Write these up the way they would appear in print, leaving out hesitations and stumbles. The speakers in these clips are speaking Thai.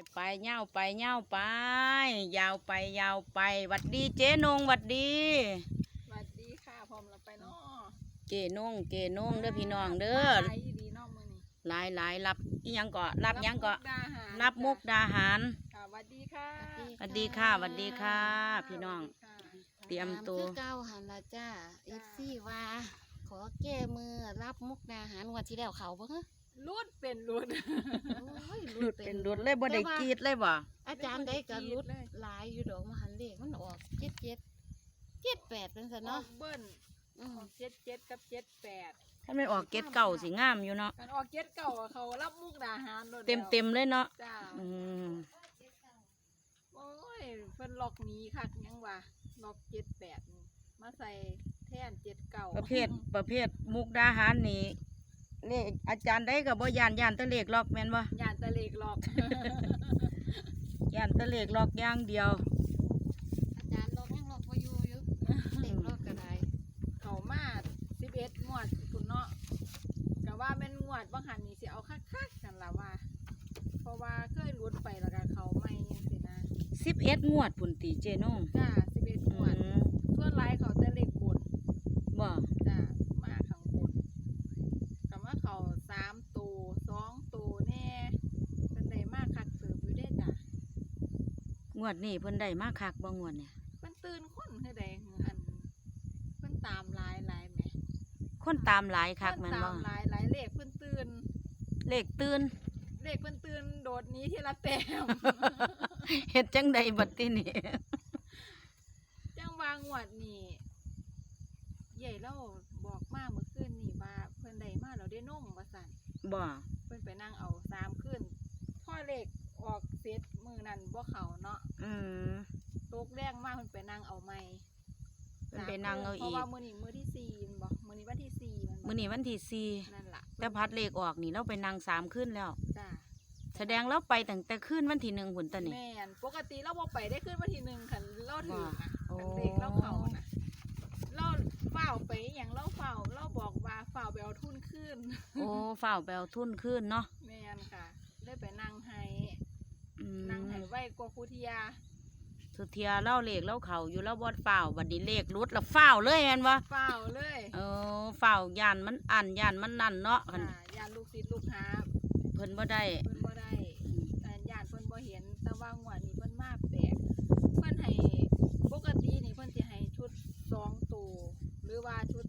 ไปเง่าไปเง่าไป ยาวไปยาวไปหวัดดีเจ๊นงหวัดดีสวัสดีค่ะพร้อมเราไปเนาะเจ๊นงเด้อพี่น้องเด้อหลายดีเนาะมื้อนี้หลายรับอีหยังก็รับหยังก็มุกดาหารรับมุกดาหารค่ะสวัสดีค่ะสวัสดีค่ะสวัสดีค่ะ พี่น้องสวัสดีค่ะเตรียมตัวคือเก้าหันละจ้าเอฟซีว่าขอแก้มือรับมุกดาหารวันที่แล้วเขาบ่ฮะรุดเป็นรุดโอ้ยหลุดเป็นหลุดเลยบ่ได้กรีดเลยบ่อาจารย์ได้กับรุดเลยหลายอยู่ดอกมหันเลขมันออก7 8เป็นซะเนาะเนาะเบิ้ลอืมออก7 7กับ78 ถ้าไม่ออกเกตเก่าสิงามอยู่เนาะกันออก7เก่าอะเขารับมุกดาหารโดดเต็มเลยเนาะจ้าอืมโอ้ยเพิ่นล็อกหนี้คักยังว่าล็อก78นี่มาใส่แทน7เก่าประเภทมุกดาหารนี่เลขอาจารย์ได้ก็บ่ย่านแตะเลขล็อกแม่นบ่ย่านตะเลกล็อกย่านแตะเลขล็อกอย่างเดียวอาจารย์ลอกยังลอกบ่อยู่อยู่เลขลอกก็ได้เขามา11งวดคุณเนาะก็ว่าแม่นงวดบางหันนี่สิเอาคักๆกันล่ะว่า เพราะว่าเคยหลุดไปแล้วก็เขาไม่จังซี่นะ 11 งวดพุ่นติเจนงจ้า11งวดส่วนหลายเขาแต่เลขบนบ่จ้ามาข้างบนก็มาเขา3ตัว2ตัวแน่เป็นได้มากคักเติบอยู่เด้จ้ะงวดนี้เพิ่นได้มาคักบ่งวดเนี่ยเพิ่นตื่นคนคือใดอันเพิ่นตามหลายแหมคนตามหลายคักแม่นเพิ่บ่ตามหลายเลขเพิ่นตื่นเลขตื่นเลขเพิ่นตื่นโดดหนี้ทีละแต้มเฮ็ดจังใดบัดทีนี้จังวางวดนี่ใหญ่เราบอกมาเมื่อคืนนี่ว่าเพิ่นได้มาแล้วได้นมว่าสั่นบ่เพิ่นไปนั่งเอา3คืนพ่อเลขออกเสร็จมือนั้นบ่เข้าเนาะอืมตกแรงมาเพิ่นไปนั่งเอาใหม่เพิ่นไปนั่งเอาเพอีราะกว่ามื้อนี้มื้อที่4แม่นบ่มื้อนี้วันที่4แม่นบ่มื้อนี้วันที่นั่นล่ะ 4แต่พัดเลขออกนี่เราไปนั่ง3คืนแล้วจ้าแสดงเราไปตั้งแต่คืนวันที่1พุ่นตะนี่แม่นปกติเราบ่ไปได้คืนวันที่1คันเราถือนะโอ้คันเลขเราเข้านะเราเฝ้าวไปอหย่างเราเฝ้าเราบอกว่าเฝ้าวไปเอาทุนขึ้นโอ้ฝ้าวไปเอาทุนคืนเนาะแม่นค่ะเลยไปนั่งให้อืนั่งมให้ไว้กว่าครูเทียสุเทียเล่าเลขเล่าเขาอยู่แล้วบ่ฝ้าวบัดนี้เลขรุดแล้วฝ้าวเลยแม่นบ่เฝ้าวเลยเออฝ้าวย่านมันอันย่านมันนั่นเนาะคันยานลูกศิษย์ลูกหาเพิ่นบ่ได้เพิ่นบ่ได้แต่ยานเพิ่นบ่เห็นแต่ว่างวดนี้เพิ่นมาแปลกเพิ่นให้ปกตินี่เพิ่นสิให้ชุด2ตัวหรือว่าชุด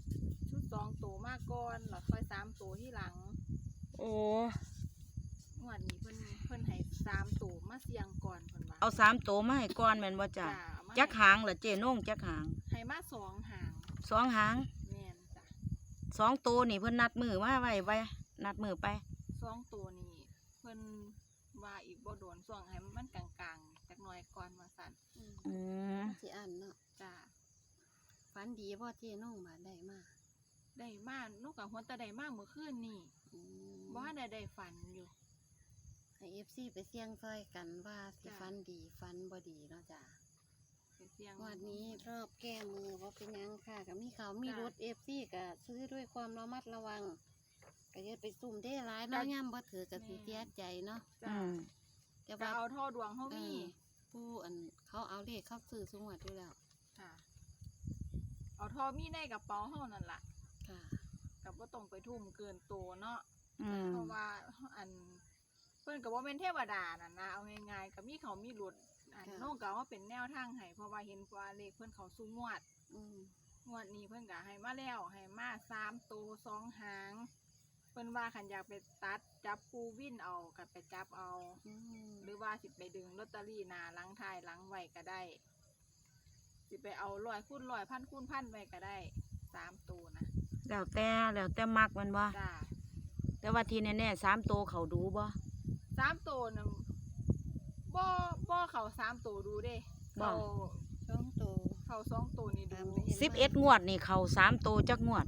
2ตัวมาก่อนแล้วค่อย3ตัวที่หลังโอ้งวดนี้เพิ่นให้3ตัวมาเสี่ยงก่อนเพิ่นว่าเอา3โตวมาให้ก่อนแม่นบ่จ้ะมาจักหางเหรอเจนงจักหางให้มา2หาง 2หางแม่นจ้ะ 2ตัวนี่เพิ่นนัดมือมาไว้นัดมือไป 2ตัวนี่เพิ่นว่าอีกบ่โดนช่วงให้มันกลางๆจักหน่อยก่อนว่าซั่นอืมมันสิอันเนาะจ้ะฝันดีบ่เจ๊น้องมาได้มาได้มานกกับหัวตาได้มาเมื่อคืนนี่อืมบ่ทันได้ฝันอยู่ให้ FC ไปเสี่ยงซอยกันว่าสิจ้ะฝันดีฝันบ่ดีเนาะจ้าไปเสี่ยงวันนี้รอบแก้มือว่าเป็นหยังค่ะกับมีเขามีรถ FC ก็ซื้อด้วยความระมัดระวังก็อย่าไปซุ่มได้ร้ายเนาะย่ำบ่ถือกับสิเสียใจเนาะจ้ะอืมแต่จะว่าเอาท่อดวงเฮามีผู้อันเขาเอาเลขเข้าซื้อสงวดด้วยแล้วค่ะ เอาท่อมีในกระเป๋าเฮานั่นล่ะค่ะก็บ่ต้องไปทุ่มเกินโตเนาะอืมเพราะว่าอันเพิ่นก็บ่แม่นเทวดานั่นนะเอาง่ายๆก็มีเขามีหลุดอันน้องก็ว่าเป็นแนวทางให้เพราะว่าเห็นว่าเลขเพิ่นเขาสู่งวดอืมงวดนี้เพิ่นก็ให้มาแล้วให้มา3ตัว2หางเพิ่นว่าคันอยากไปตัดจับปูวินเอาก็ไปจับเอาอืมหรือว่าสิไปดึงลอตเตอรี่หน้าหลังท้ายหลังไว้ก็ได้สิไปเอา100คูณ100 1,000คูณ1,000ไว้ก็ได้3ตัวนะแล้วแต่มักมันบ่จ้าแต่ว่าที่แน่ๆ3โตวเขาดูบ่ 3ตัวน่ะบ่เข้า3ตัวดูเด้บ่เข้า2ตัวนี่ดู 11งวดนี่เขา3โตวจักงวด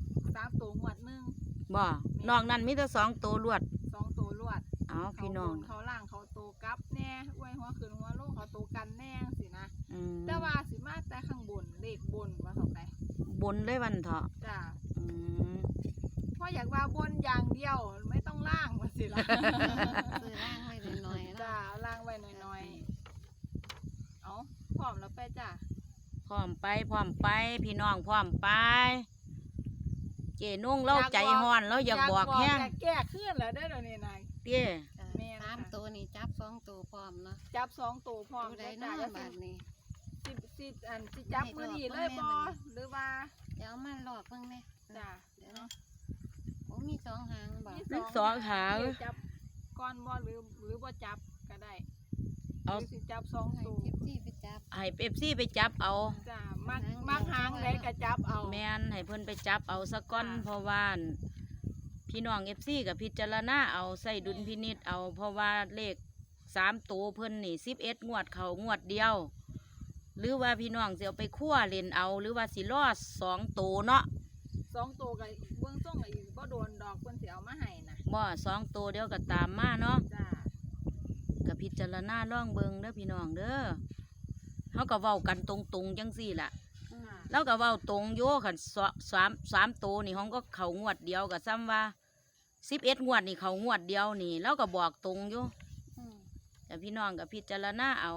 3ตัวงวดหนึงบ่นอกนั้นมีแต่2โตวรวด 2ตัวรวดเอาพี่น้องเขาล่างเขาโตกลับแน่ไว้หัวขึ้นหัวลงเขาโตกันแน่สินะอืมแต่ว่าสิมาแต่ข้างบนเลขบนว่าเท่าไหร่บนเลยวันเถาะจ้าอืมเพราะอยากว่าบนอย่างเดียวไม่ต้องล่างว่าสิล่ะซื้อร่างไว้หน่อยๆเนาะจ้าจ้าเอาล่างไว้หน่อยๆเอาพร้อมแล้วไปจ้าพร้อมไปพี่น้องพร้อมไป เจนุ่งเล่าใจฮ้อนเราอยากบอกแห้งอยากแก้ขึ้นแล้วได้อเดี๋ยวนี้นายเตี้ยค่ะแม่นค่ะ 3ตัวนี่จับ2ตัวพร้อมเนาะจับ2ตัวพร้อมตัวใดจ้าเนาะจะบาดนี้สิจับมือนีเลยบ่หรือว่าเดี๋ยวมาหลอกเบิ่งแม่จ้าเดี๋ยวเนาะโอ้มี2หางบ่มีสองหางจับก้อนบ่หรือบ่จับก็ได้หเอารือสิจับสองให้ตัวเจ็บที่ไปจับให้เป๊ปซี่ไปจับเอาจ้ามักหางไหนก็จับเอาแม่นให้เพิ่นไปจับเอาสักก้อนค่ะเพราะว่าพี่น้องเอฟซีกับพิจารณาเอาใส่ดุลพินิจเอา เพราะว่าเลข3ตัวเพิ่นนี่11งวดเขางวดเดียว หรือว่าพี่น้องสิเอาไปคั่วเล่นเอา หรือว่าสิรอด2ตัวเนาะ 2ตัวก็เบื้องต้นก็อีกบ่โดนดอกเพิ่นสิเอามาให้นะบ่2ตัวเดียวก็ตามมาเนาะจ้ากับพิจารณาล่องเบิงเด้อพี่น้องเด้อเขาก็เว้ากันตรงๆจังซี่ล่ะค่ะแล้วก็เว้าตรงโยขันสามตัวนี่ห้องก็เขางวดเดียวกับซ้ำว่า11งวดนี่เขางวดเดียวนี่แล้วก็บอกตรงโยอืมแต่พี่น้องกับพิจารณาเอา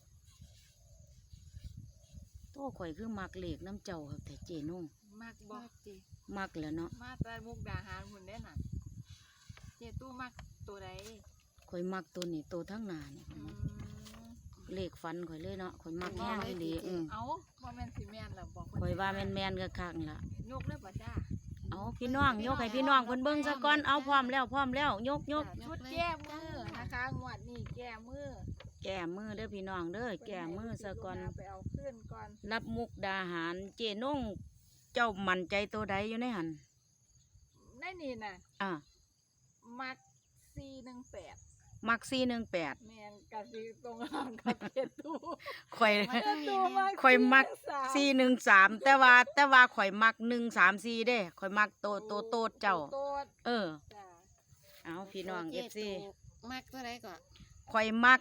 โต้ข่อยคือมักเลขน้ำเจ้าครับแต่เจนุ่งมักบ่บ่จิมักแหล้วเนาะมาแต่มุกดาหารพุ่นได้น่ะเจตู้มักตัวใดข่อยมักตัวนี้ตัวทั้งหน้านี่ข่อยมักเลขฟันข่อยเลยเนาะข่อยมักแห้งอีหลีเอาบ่แม่นสิแม่นแล้วบอกข่อยว่าแม่นๆก็คักนั่นล่ะยกเลยบ่จ้าเอาพี่น้องยกให้พี่น้องเพิ่นเบิ่งซะก่อนเอาพร้อมแล้วยกจ้ะชุดแก้มือนะคะงวดนี้แก้มือแก้มือเด้อพี่น้องเด้อแก้มือซะก่อนไปเอาขึ้นก่อนรับมุกดาหารเจนงเจ้ามั่นใจตัวใดอยู่ในหันในนี่น่ะอ่ะมัก418 มัก418 แม่นกะสิตรงข้ามกับเจตู้ข่อยมาเจตู้มักข่อยมัก 413 413แต่ว่าข่อยมัก134เด้ข่อยมักโตดเจ้าโตดเออจ้ะเอาพี่น้องโอ FC ถูกมักตัวใดก่อนข่อยมัก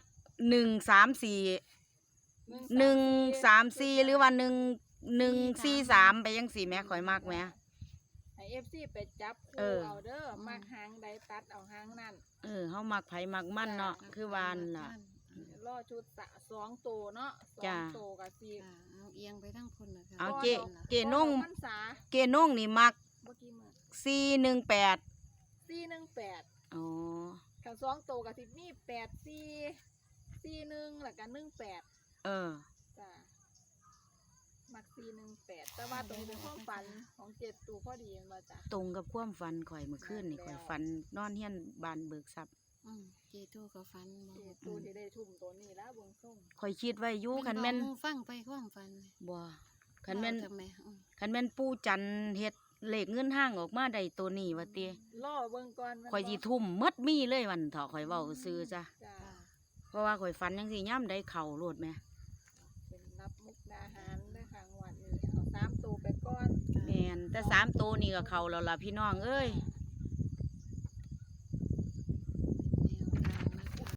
134 134หรือว่า143ไปจังซี่แหม่ข่อยมักแหม่ให้ FC ไปจับเอคู่อเอาเด้อมักหางใดตัดเอาหางนั่นเออเฮามักไผมักมันเนาะคือวานั่นล่ะรอชุด2ตัวเนาะจ้ะ 2ตัวก็สิค่ะเอาเอียงไปทั้งคนนะคะเอาก่เจนงพรรษาเกนงนี่มักเมื่อกี้มื้อ 418 418 อ๋อกับ2ตัวก็สิมี84 41แล้วก็18 เออจ้ะมัก418แต่ว่าตรงนี้เป็นความฝันของเจ็ดตัวพอดีแม่นบ่จ้ะตรงกับความฝันข่อยเมื่อคืนนี่ข่อยฝันนอนเฮียนบานเบิกทรัพย์อืมเจตูก็ฟันบ่เจ็ดตัวที่ได้ทุ่มตัวนี้แล้วเบิ่งส่งข่อยคิดไว้อยู่คันแม่นบอกหฟังไปความฟันบ่คันแม่นเว้าจังแม่อืมคันแม่นปู่จันทร์เฮ็ดเลขเงินห้างออกมาได้ตัวนี้ว่าติรอเบิ่งก่อนแม่นบ่ข่อยสิทุ่มหมดมีเลยวันเถาะข่อยเว้าซื่อจ้ะจ้ะค่ะเพราะว่าข่อยฝันจังซี่ย่ำได้เข้าโลดแหม่เป็นรับมุกดาหารเด้อค่ะงวดนี้เอา3ตัวไปก่อนแม่นแต่3ตัวนี่ก็เข้าแล้วล่ะพี่น้องเอ้ยจ